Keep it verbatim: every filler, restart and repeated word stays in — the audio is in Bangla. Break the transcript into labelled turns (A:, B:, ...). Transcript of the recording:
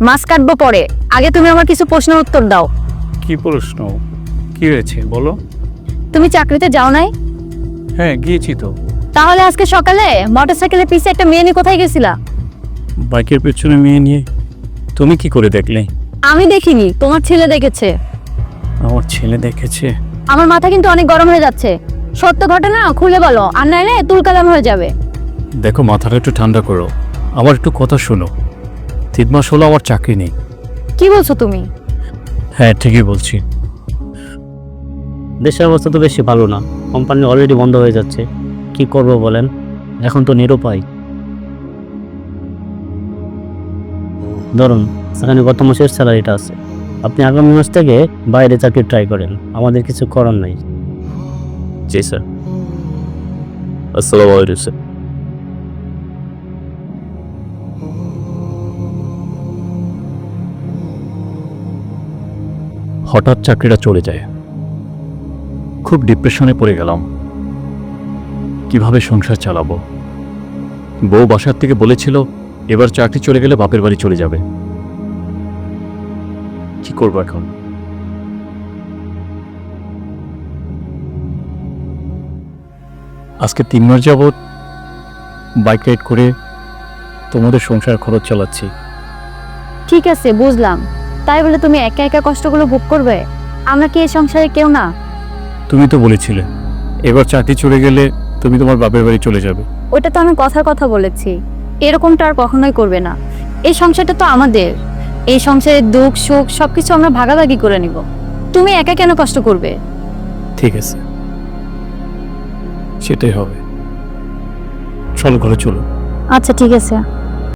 A: মাছ কাটবো পরে, আগে তুমি আমার কিছু প্রশ্নের উত্তর দাও।
B: কি প্রশ্ন? কি হয়েছে বলো।
A: তুমি চাকরিতে যাও নাই?
B: হ্যাঁ গিয়েছি তো।
A: তাহলে আজকে সকালে মোটরসাইকেলের পিছে একটা মেয়ে নিয়ে কোথায় গেছিলা?
B: বাইকের পেছনে মেয়ে নিয়ে। তুমি কি করে দেখলে?
A: আমি দেখিনি, তোমার ছেলে দেখেছে।
B: আমার ছেলে দেখেছে?
A: আমার মাথা কিন্তু অনেক গরম হয়ে যাচ্ছে। সত্য ঘটনা খুলে বলো, আর নাইলে তুলকালাম হয়ে যাবে।
B: দেখো মাথাটা একটু ঠান্ডা করো, আমার একটু কথা শোনো। তিন মাস হলো আমার চাকরি নেই।
A: কি বলছো তুমি?
B: হ্যাঁ ঠিকই বলছি।
C: দেশের অবস্থা তো বেশি ভালো না, কোম্পানি অলরেডি বন্ধ হয়ে যাচ্ছে। কি করব বলেন, এখন তো নিরুপায়। ধরুন এখানে গত মাসের স্যালারিটা আছে, আপনি আগামী মাস থেকে বাইরে চাকরি ট্রাই করেন, আমাদের কিছু করার নাই। জি স্যার। আসসালামু আলাইকুম স্যার।
B: হঠাৎ চাকরিটা চলে যায়, খুব ডিপ্রেশনে পড়ে গেলাম। কিভাবে সংসার চালাবো? বউ বাসার থেকে বলেছিল এবার চাকরি চলে গেলে বাপের বাড়ি চলে যাবে। কি করবো এখন? আজকে তিন মাস যাবৎ বাইক রাইড করে তোমাদের সংসার খরচ চালাচ্ছি।
A: ঠিক আছে বুঝলাম, তাই বলে তুমি একা একা কষ্টগুলো ভোগ করবে? আমরা কি এই সংসারে কেউ না?
B: তুমি তো বলেছিলে এবার চাকরি চলে গেলে তুমি তোমার বাপের বাড়ি চলে যাবে।
A: ওটা তো আমি কথার কথা বলেছি, এরকমটা আর কখনোই করবে না। এই সংসারটা তো আমাদের, এই সংসারের দুঃখ সুখ সবকিছু আমরা ভাগাভাগি করে নিব। তুমি একা কেন কষ্ট করবে?
B: ঠিক আছে, সেটাই হবে। চল ঘরে চলো।
A: আচ্ছা ঠিক আছে।